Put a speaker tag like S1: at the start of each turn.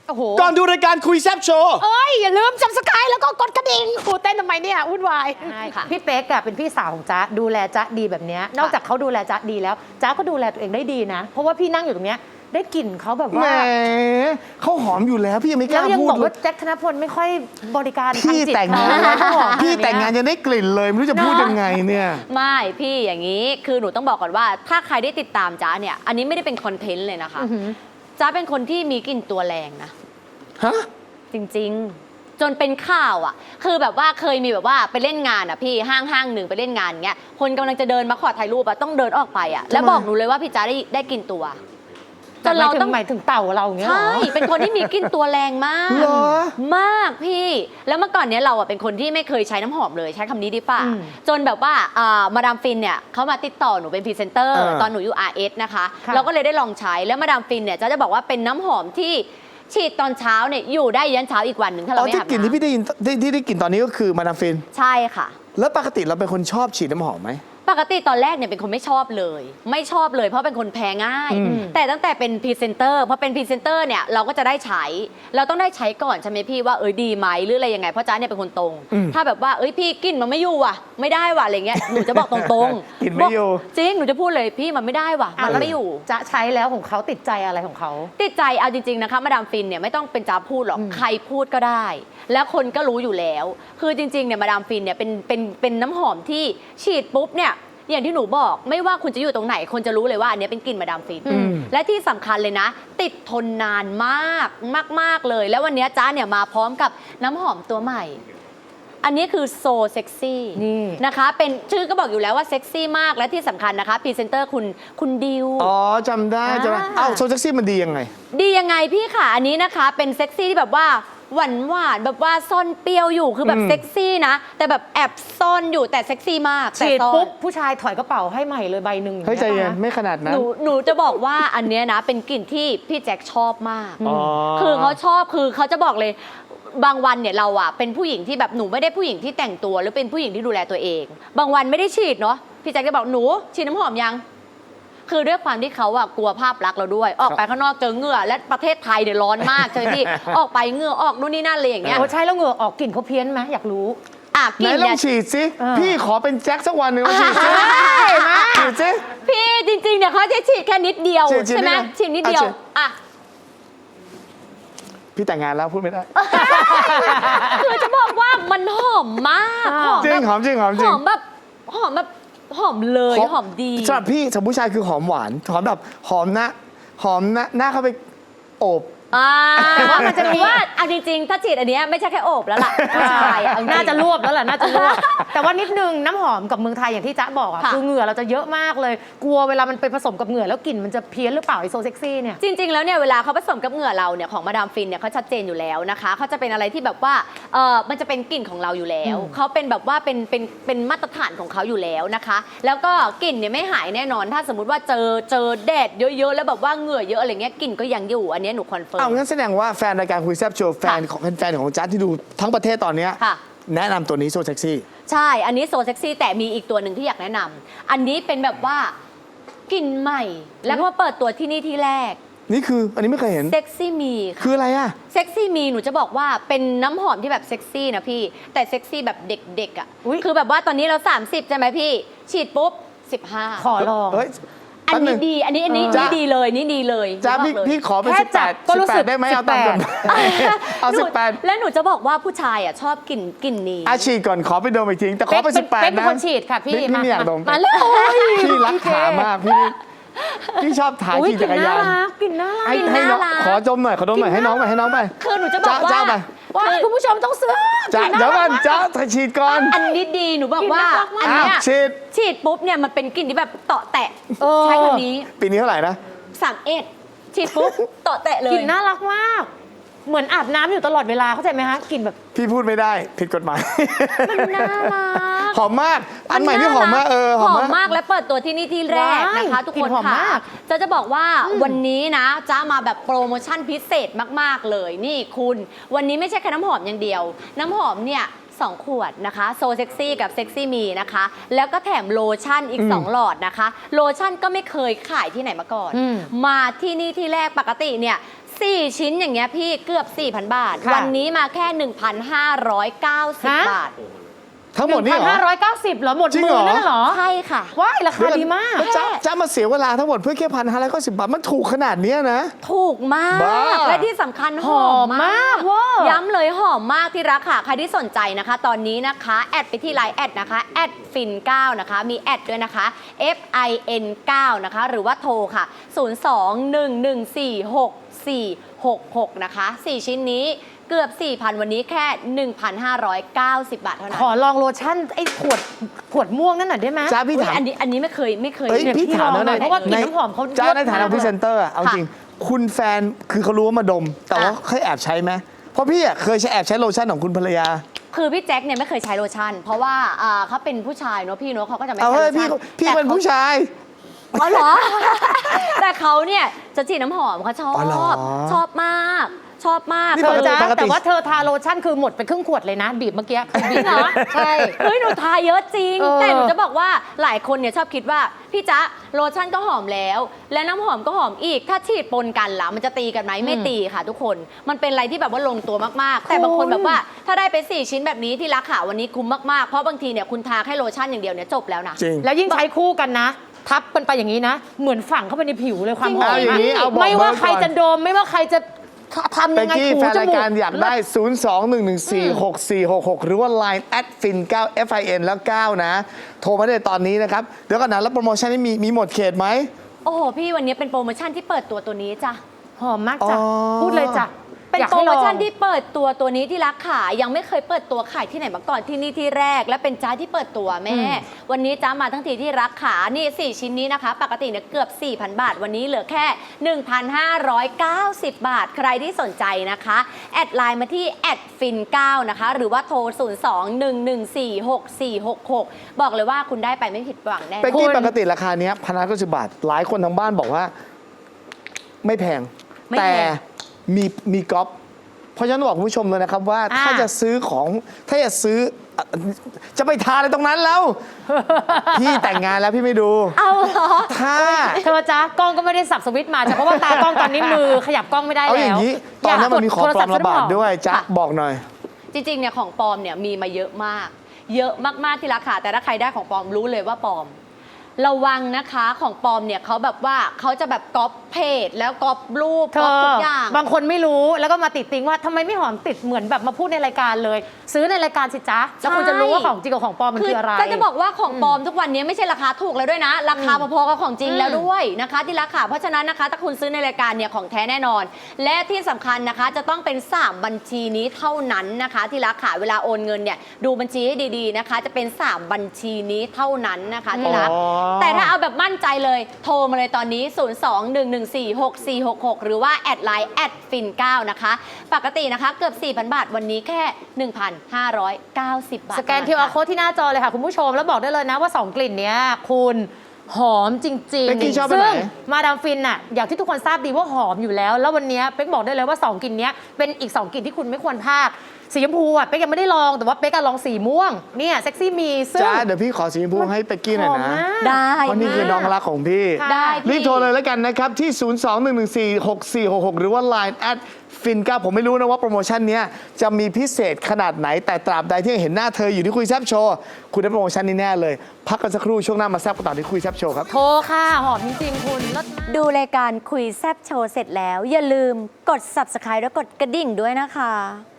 S1: โอ้โห
S2: ก่อนดูรายการคุยแซบโชว์
S1: เอ้ยอย่าลืมซับสไครต์แล้วก็กดกระดิ่งครูเต้นทำไมเนี่ยวุ่นวาย
S3: ใช่ค่ะ
S1: พี่เป๊กอะเป็นพี่สาวของจ๊ะดูแลจ๊ะดีแบบเนี้ยนอกจากเขาดูแลจ๊ะดีแล้วจ๊ะก็ดูแลตัวเองได้ดีนะ เพราะว่าพี่นั่งอยู่ตรงเนี้ยได้กลิ่นเขาแบบ
S2: แหม
S1: ว่า
S2: เขาหอมอยู่แล้วพี่ยังไม่ก
S1: แล้ว
S2: ล้า
S1: ยัง
S2: พู
S1: บ
S2: ด
S1: อก
S2: เล
S1: ว่าย แจ็คธนพลไม่ค่อยบริการทาง
S2: พี่
S1: จิต
S2: แต่งงาน
S1: เขาบอก
S2: พี่แต่งงานยังได้กลิ่นเลยไม่รู้จะพูดยังไงเนี่ย
S3: ไม่พี่อย่างนี้คือหนูต้องบอกก่อนว่าถ้าใครได้ติดตามจ๊ะเนี่ยอันนี้ไม่ได้เป็นคอนเทนต์เลยนะคะ
S1: อื้อหือ
S3: จ๊ะเป็นคนที่มีกลิ่นตัวแรงนะ
S2: ฮะ
S3: จริงๆ จนเป็นข่าวอ่ะคือแบบว่าเคยมีแบบว่าไปเล่นงานอ่ะพี่ห้างหนึ่งไปเล่นงานเงี้ยคนกำลังจะเดินมาขอถ่ายรูปอ่ะต้องเดินออกไปอ่ะแล้วบอกหนูเลยว่าพี่จ๊ะได้กลิ่นตัวจนเราต้อง
S1: หมายถึงเต่าเราอย่างเงี้ยเหร
S3: ใช่
S1: อ
S3: เป็นคนที่มีกลิ่นตัวแรงมาก
S2: เหรอ
S3: มากพี่ แล้วเมื่อก่อนเนี้ยเราอะเป็นคนที่ไม่เคยใช้น้ำหอมเลยใช้คำนี้ดีป่ะ
S1: อืม
S3: จนแบบว่ามาดามฟินเนี่ยเขามาติดต่อหนูเป็นพรีเซนเตอร์ตอนหนูอยู่ RS นะคะ
S1: ค่ะ
S3: เราก็เลยได้ลองใช้แล้วมาดามฟินเนี่ยจะบอกว่าเป็นน้ำหอมที่ฉีดตอนเช้าเนี่ยอยู่ได้ยันเช้าอีกวันหนึ่งถ้า
S2: อ๋
S3: เรา
S2: อ
S3: ไม่
S2: ที่
S3: อาบ
S2: กลิ่นที่พี่
S3: น้ำ
S2: ได้ยินที่ได้กลิ่นตอนนี้ก็คือมาดามฟิน
S3: ใช่ค่ะ
S2: แล้วปกติเราเป็นคนชอบฉีดน้ำหอมไหม
S3: ปกติตอนแรกเนี่ยเป็นคนไม่ชอบเลย ไม่ชอบเลยเพราะเป็นคนแพ้ง่าย
S2: อืม
S3: แต่ตั้งแต่เป็นพรีเซนเตอร์พอเป็นพรีเซนเตอร์เนี่ยเราก็จะได้ใช้เราต้องได้ใช้ก่อนใช่ไหมพี่ว่าดีไหมหรืออะไรยังไงเพราะจ๊ะเนี่ยเป็นคนตรง ถ้าแบบว่าพี่กลิ่นมันไม่อยู่ว่ะไม่ได้ว่ะอะไรเงี้ยหนูจะบอกตรงๆ
S2: กลิ่นไม่อยู่
S3: จริงหนูจะพูดเลยพี่มันไม่ได้ว่ะมันไม่อยู่
S1: จ๊ะใช้แล้วของเขาติดใจอะไรของเขา
S3: ติดใจเอาจริงๆนะคะมาดามฟินเนี่ยไม่ต้องเป็นจ๊าพูดหรอกใครพูดก็ได้ แล้วคนก็รู้อยู่แล้ว คือจริงๆเนี่ยมาดามฟินเนี่ยเป็นน้ำหอมที่ฉีดปุ๊บเนี่ยอย่างที่หนูบอกไม่ว่าคุณจะอยู่ตรงไหนคนจะรู้เลยว่าอันเนี้ยเป็นกลิ่นมาดามฟิน และที่สำคัญเลยนะ ติดทนนานมากมากๆเลย แล้ววันนี้จ๊ะเนี่ยมาพร้อมกับน้ำหอมตัวใหม่ อันนี้คือโซเซ็กซี่
S1: นี่
S3: นะคะเป็นชื่อก็บอกอยู่แล้วว่าเซ็กซี่มากและที่สำคัญนะคะพรีเซนเตอร์คุณดิว
S2: อ๋อจำได้จำได้
S3: อ่า
S2: เอ้าโซเซ็กซี่มันดียังไง
S3: ดียังไงพี่ค่ะอันนี้นะคะเป็นเซ็กซี่ที่แบบว่าหวานแบบว่าซ่อนเปรี้ยวอยู่คือแบบเซ็กซี่นะแต่แบบแอบซ่อนอยู่แต่เซ็กซี่มากแต่
S1: ฉีด
S3: ซ่อน
S1: ปุ๊บผู้ชายถอยกระเป๋าให้ใหม่เลยใบหนึ่ง
S2: เฮ้ยใจเย็น
S1: าง
S2: ไม่ขนาดนั้น
S3: หนูจะบอกว่าอันเนี้ยนะเป็นกลิ่นที่พี่แจ็คชอบมาก
S2: อ๋อ
S3: คือเขาชอบคือเขาจะบอกเลยบางวันเนี่ยเราอะเป็นผู้หญิงที่แบบหนูไม่ได้ผู้หญิงที่แต่งตัวหรือเป็นผู้หญิงที่ดูแลตัวเอง บางวันไม่ได้ฉีดเนาะพี่แจ็คจะบอกหนูฉีดน้ำหอมยัง คือด้วยความที่เขาอะกลัวภาพลักษณ์เราด้วย ออกไปข้างนอกเจอเหงื่อและประเทศไทยเนี่ยร้อนมากใช่ไหมพี่ ออกไปเหงื่อออกนู่นนี่นั่นเลยอย่างเงี้ย
S1: โอ้ใช่แล้วเหงื่อออกกลิ่นเขาเพี้ยนไหมอยากรู้
S3: อ่ะก
S2: ไหน
S3: ลิ่น
S2: ลอ
S3: เนี่
S2: ง
S3: ย
S2: ฉีดสิ
S1: เออ
S2: พี่ขอเป็นแจ็คสักวันหนึ่งมาฉีดสิฉีดสิ
S3: พี่จริงๆเนี่ยเขาจะฉีดแค่นิดเดียว
S2: ฉีด
S3: ใช่ไหม
S2: นิดเดียว
S3: ฉีดนิดเดียว
S2: อ่ะฉีด
S3: อ่ะ
S2: พี่แต่งงานแล้วพูดไม่ได้
S3: คือจะบอกว่ามันหอมมากหอม
S2: จริ
S3: แบ
S2: ง
S3: บ
S2: หอมจริงหอมจ
S3: ห
S2: ริง
S3: อมแบบหอมแบบหอมเลยหอมดี
S2: สำหรับพี่สำหรับผู้ชายคือหอมหวานหอมแบบหอมหน้าเข้าไปโอบ
S3: แต่ว่ามันจะมีว่าเอาจริงๆ ถ้าฉีดอันเนี้ยไม่ใช่แค่โอบแล้วล่ะผู้ชายอ่ะเอจริง
S1: น่าจะรวบแล้วแหละน่าจะรวบ แต่ว่านิดนึงน้ำหอมกับเมืองไทยอย่างที่จ๊ะบอกอะ
S3: ค่ะ
S1: คือเหงื่อเราจะเยอะมากเลย กลัวเวลามันไปผสมกับเหงื่อแล้วกลิ่นมันจะเพี้ยนหรือเปล่าไอโซเซ็กซี่เนี่ย
S3: จริง ๆ แล้วเนี่ยเวลาเขาผสมกับเหงื่อเราเนี่ยของมาดามฟินเนี่ยเขาชัดเจนอยู่แล้วนะคะเขาจะเป็นอะไรที่แบบว่ามันจะเป็นกลิ่นของเราอยู่แล้วเขาเป็นแบบว่าเป็นมาตรฐานของเขาอยู่แล้วนะคะ แล้วก็กลิ่นเนี่ยไม่หายแน่นอน ถ้าสมมติว่าเจอแดดเยอะๆแล้วแบบว่าเหงื่อเยอะอะไรเงี้ยกลิ่นก็ยังอยู่อันเนี้ยหนูคอนเฟิร์
S2: เอา
S3: ม
S2: งั้นแสดงว่าแฟนรายการคุยแซบโชว์แฟนของแฟนของจ๊ะที่ดูทั้งประเทศตอนเนี้ย
S3: ค่ะ
S2: แนะนำตัวนี้โซเซ็กซี่
S3: ใช่ อันนี้โซเซ็กซี่แต่มีอีกตัวหนึ่งที่อยากแนะนำอันนี้เป็นแบบว่ากลิ่นใหม่ แล้วก็เปิดตัวที่นี่ที่แรก
S2: นี่คืออันนี้ไม่เคยเห็น
S3: เซ็กซี่มีค่ะ
S2: คืออะไรอ่ะ
S3: เซ็กซี่มีหนูจะบอกว่าเป็นน้ำหอมที่แบบเซ็กซี่นะพี่ แต่เซ็กซี่แบบเด็กๆอ่ะ
S1: อุ๊ย
S3: คือแบบว่าตอนนี้เรา 30 ใช่ไหมพี่ ฉีดปุ๊บ 15
S1: ขอลอง
S2: เฮ้ย
S3: อัน
S2: แป๊บห
S3: นี้
S2: ง
S3: ดี อันนี้
S2: จ๊ะ
S3: ดีเลยนี่ดีเลย
S2: จ๊ะ
S3: หนูบอกเลย
S2: พี่ขอเป็น
S1: แค่จับก็รู้สึก
S2: 18ได้ไหมเอาตามกฎหมายเอา
S3: หนู
S2: 18
S3: แล้วหนูจะบอกว่าผู้ชายอ่ะชอบกลิ่นนี้
S2: อาฉีดก่อนขอไปดมอีกทีแต่ขอไป
S1: เป๊กเป็น
S2: 18นะ
S1: คนฉีดค่ะพี่
S2: พี่ไม่อยากดม
S1: มาเลย
S2: พี่รักขามากพี่ชอบถ่าย
S1: อุ๊ย
S2: ขี่จักรยาน
S1: กลิ่นน่ารัก
S2: ให้น้อง
S3: น่ารัก
S2: ขอดมหน่อยขอดมหน่อยให้น้องไป
S3: คือหนูจะบอกว่า
S2: จ้าไป
S1: ว้ายคุณผู้ชมต้องซื้อ
S2: จ้าเดี๋ยวก่อนจ้าฉีดก่อน
S3: อันนี้ดีหนูบอกว่า
S1: กลิ่นน่ารักมาก
S3: อันเนี้ย
S2: ฉีด
S3: ฉีดปุ๊บเนี่ยมันเป็นกลิ่นที่แบบเตาะแตะ
S1: เออ
S3: ใช้คำนี้
S2: ปีนี้เท่าไหร่นะ
S3: 31ฉีดปุ๊บเตาะแตะเลย
S1: กลิ่นน่ารักมาก เหมือนอาบน้ำอยู่ตลอดเวลาเข้าใจไหมคะกลิ่นแบบ
S2: พี่พูดไม่ได้ผิดกฎหมาย
S3: มันน่ารัก
S2: หอมมากอันใหม่ที่หอมมากหอมมาก
S3: และเปิดตัวที่นี่ที่แรกนะคะ ทุก
S1: กลิ่
S3: คน
S1: นหอม
S3: ค่ะ
S1: มาก
S3: จะบอกว่าวันนี้นะจะมาแบบโปรโมชั่นพิเศษมากๆเลยนี่คุณวันนี้ไม่ใช่แค่น้ำหอมอย่างเดียว น้ำหอมเนี่ย2 ขวดนะคะโซเซ็กซี่กับเซ็กซี่มีนะคะแล้วก็แถมโลชั่นอีก 2 หลอดนะคะ โลชั่นก็ไม่เคยขายที่ไหนมาก่อน มาที่นี่ที่แรกปกติเนี่ย 4 ชิ้นอย่างเงี้ยพี่เกือบ 4,000 บาท
S1: ค่ะ
S3: วันนี้มาแค่ 1,590
S1: ฮะ
S3: บาท
S2: ทั้งหมดนี่เหรอ
S1: 1,590เหรอหมด
S2: จริง
S1: มื
S2: เหร
S1: อ
S2: อ
S1: นั่นเหรอ
S3: ใช่ค่ะ
S1: ว้ายราคาดีมาก
S2: แล้วจ้ามาเสียเวลาทั้งหมดเพื่อแค่1,590 บาทมันถูกขนาดเนี้ยนะ
S3: ถูกมาก
S2: บ้า
S3: และที่สำคัญหอมมาก
S1: เวอร์
S3: ย้ำเลยหอมมากที่รักค่ะ ใครที่สนใจนะคะ ตอนนี้นะคะ แอดไปที่ไลน์แอดนะคะแอดฟิน9นะคะ มีแอดด้วยนะคะ FIN 9นะคะ หรือว่าโทรค่ะ 02-114-6466 นะคะ 4 ชิ้นนี้เกือบ 4,000 วันนี้แค่ 1,590 บาทเท่านั้น
S1: ขอลองโลชั่นไอ้ขวดม่วงนั่นหน่อยได้ไหม
S2: จ้าพี่
S3: อุ๊ย
S2: ถาม
S3: อันนี้ไม่เคย
S2: เอ้ย
S1: เนี่ย
S2: พี่ถามแล้ว
S1: พี่ลองหน่อยเพราะว่ากลิ่นน้ำหอมเขา
S2: จ้าในฐานะ
S1: เลิศมาก
S2: พรีเซนเตอร์อะเอาจริง คุณแฟนคือเขารู้ว่ามาดม แต่ว่าเคยแอบใช้ไหมเพราะพี่อะเคยแอบใช้โลชั่นของคุณภรรยา
S3: คือพี่แจ็คเนี่ยไม่เคยใช้โลชั่น เพราะว่าเขาเป็นผู้ชายเนอะพี่เนอะเขาก็จะไม่
S2: เอา
S3: ใช้
S2: เฮ้
S3: โล
S2: ย
S3: ชั่น
S2: พี่เป็นผู้ชาย
S3: อ๋อเหรอ แต่เขาเนี่ยจะฉีดน้ำหอมเขาชอ
S2: อ๋อเหรอ
S3: บ ชอบมาก ชอบมาก
S2: นี่
S1: เธอจ้า
S2: ปกติ
S1: แต่ว่าเธอทาโลชั่นคือหมดไปครึ่งขวดเลยนะ บีบเมื่อกี้คือบีบเหรอใช่
S3: เฮ้ยหนูทาเยอะจริง
S1: เออ
S3: แต่หนูจะบอกว่าหลายคนเนี่ยชอบคิดว่าพี่จ๊ะโลชั่นก็หอมแล้ว และน้ำหอมก็หอมอีก ถ้าฉีดปนกันล่ะมันจะตีกันไหมไม่ตีค่ะทุกคน มันเป็นอะไรที่แบบว่าลงตัวมากๆ แต่บางคนแบบว่าถ้าได้ไป4 ชิ้นแบบนี้ที่ราคาวันนี้คุ้มมากๆ เพราะบางทีเนี่ยคุณทาแค่โลชั่นอย่างเดียวเนี่ยจบแล้วนะ
S2: จริง
S1: แล้วยิ่งใช้คู่กันนะ ทับกันไปอย่างนี้นะ เหมือนฝังเข้าไปในผิวเลยความหอม
S2: เอาอย่างนี้เอาบอก
S1: ไม่ว่า
S2: เบอร์ก่อน
S1: ใครจะดมไม่ว่าใครจะทำ
S2: เป็
S1: ยั
S2: ก
S1: งไง
S2: กี้
S1: ถู
S2: แฟน
S1: จ
S2: ราย
S1: มูก
S2: การอยากได้ 02-114-6466 หรือว่า Line @fin 9 FIN แล้ว 9 นะ โทรมาได้ตอนนี้นะครับ เดี๋ยวก่อนนะแล้วโปรโมชั่นนี้มีหมดเขตไหม
S3: โอ้โหพี่วันนี้เป็นโปรโมชั่นที่เปิดตัวนี้จ้ะ
S1: หอมมากจ้ะ
S2: อ๋อ
S1: พูดเลยจ้ะ
S3: เป็น
S1: อยาก
S3: โปร
S1: ให้
S3: โม
S1: ลอง
S3: ชั่นที่เปิดตัวนี้ที่รักขายยังไม่เคยเปิดตัวขายที่ไหนมาก่อนที่นี่ที่แรก และเป็นจ้าที่เปิดตัวแม่ วันนี้จ้ามาทั้งทีที่รักขานี่4ชิ้นนี้นะคะ ปกติเนี่ยเกือบ 4,000 บาท วันนี้เหลือแค่ 1,590 บาท ใครที่สนใจนะคะแอดไลน์มาที่แอดฟิน9นะคะหรือว่าโทร 02-114-6466 บอกเลยว่าคุณได้ไปไม่ผิดหวังแน่
S2: เป็กกี้ปกติราคาเนี้ย1,590 บาท หลายคนทางบ้านบอกว่า ไม่แพง
S3: ไม่
S2: แต่
S3: แพง
S2: มีก๊อปเพราะฉะนั้นบอกคุณผู้ชมเลยนะครับว่า
S1: อ่า
S2: ถ้าจะซื้อของถ้าจะซื้อจะไปทานอะไรตรงนั้นแล้ว พี่แต่งงานแล้วพี่ไม่ดู
S3: เอาเหรอ
S2: ถ้า
S1: เธอจ้ะกล้องก็ไม่ได้สับสวิตช์มาจ้ะเพราะว่าตากล้องตอนนี้มือขยับกล้องไม่ได้
S2: เอา
S1: แล้ว
S2: อย่างนี้ ตอนนี้มันมีของปลอมระบาดด้วยจ๊ะ
S3: ค่ะ
S2: บอกหน่อย
S3: จริงๆ เนี่ยของปลอมเนี่ยมีมาเยอะมาก เยอะมากๆที่ราคาแต่ถ้าใครได้ของปลอมรู้เลยว่าปลอม ระวังนะคะของปลอมเนี่ยเขาแบบว่าเขาจะแบบก๊อปเพจแล้วก๊อปรูป
S1: เธ
S3: ก๊อป
S1: อ
S3: ทุกอย่าง
S1: บางคนไม่รู้แล้วก็มาติดติงว่าทำไมไม่หอมติดเหมือนแบบมาพูดในรายการเลย ซื้อในรายการสิจ๊ะแล้วคุณจะรู้ว่าของจริงกับของปลอมมันคืออะไร
S3: จะบอกว่าของปลอมทุกวันนี้ไม่ใช่ราคาถูกแล้วด้วยนะ ราคาพอๆกับของจริงแล้วด้วยนะคะที่ราคาเพราะฉะนั้นนะคะถ้าคุณซื้อในรายการเนี่ยของแท้แน่นอน และที่สำคัญนะคะจะต้องเป็น 3 บัญชีนี้เท่านั้นนะคะ ที่ราคาเวลาโอนเงินเนี่ยดูบัญชีให้ดีๆนะคะ จะเป็น 3 บัญชีนี้เท่านั้นนะคะที่รัก
S2: อ๋อ
S3: แต่ถ้าเอาแบบมั่นใจเลยโทรมาเลยตอนนี้ 02-114-6466 หรือว่าแอดไลน์แอดฟิน9นะคะปกตินะคะเกือบ 4,000 บาทวันนี้แค่ 1,590 บาท
S1: สแกน QR code ที่หน้าจอเลยค่ะ คุณผู้ชมแล้วบอกได้เลยนะว่า 2 กลิ่นเนี้ยคุณหอมจริง
S2: เป๊กกี้ชอบ
S1: ๆ
S2: อันไหน
S1: ซึ่งมาดามฟินน่ะอย่างที่ทุกคนทราบดีว่าหอมอยู่แล้ว แล้ววันเนี้ยเป๊กบอกได้เลยว่า 2 กลิ่นเนี้ยเป็นอีก 2 กลิ่นที่คุณไม่ควรพลาดสีชมพูอ่ะเป๊กยังไม่ได้ลองแต่ว่าเป๊กอะลองสีม่วงเนี่ยเซ็กซี่มีซึ่ง
S2: จ้าเดี๋ยวพี่ขอสีชมพูให้เป็กกี้หน่อย
S1: หอม
S2: นะ
S1: มาก
S3: ได้
S2: เพราะนี่คือน้องรักของพี่
S1: ค่ะ
S3: ได้พี่
S2: รีบโทรเลยแล้วกันนะครับ ที่ 02-114-6466 หรือว่า Lineฟิน9ผมไม่รู้นะว่าโปรโมชั่นเนี้ยจะมีพิเศษขนาดไหน แต่ตราบใดที่ยังเห็นหน้าเธออยู่ที่คุยแซบโชว์คุณได้โปรโมชั่นนี้แน่เลย พักกันสักครู่ช่วงหน้ามาแซบกันต่อที่คุยแซบโชว์ครับ
S1: โทรค่ะหอมจริงๆคุณเลิศมาก
S3: ดูรายการคุยแซบโชว์เสร็จแล้ว อย่าลืมกด subscribe และกดกระดิ่งด้วยนะคะ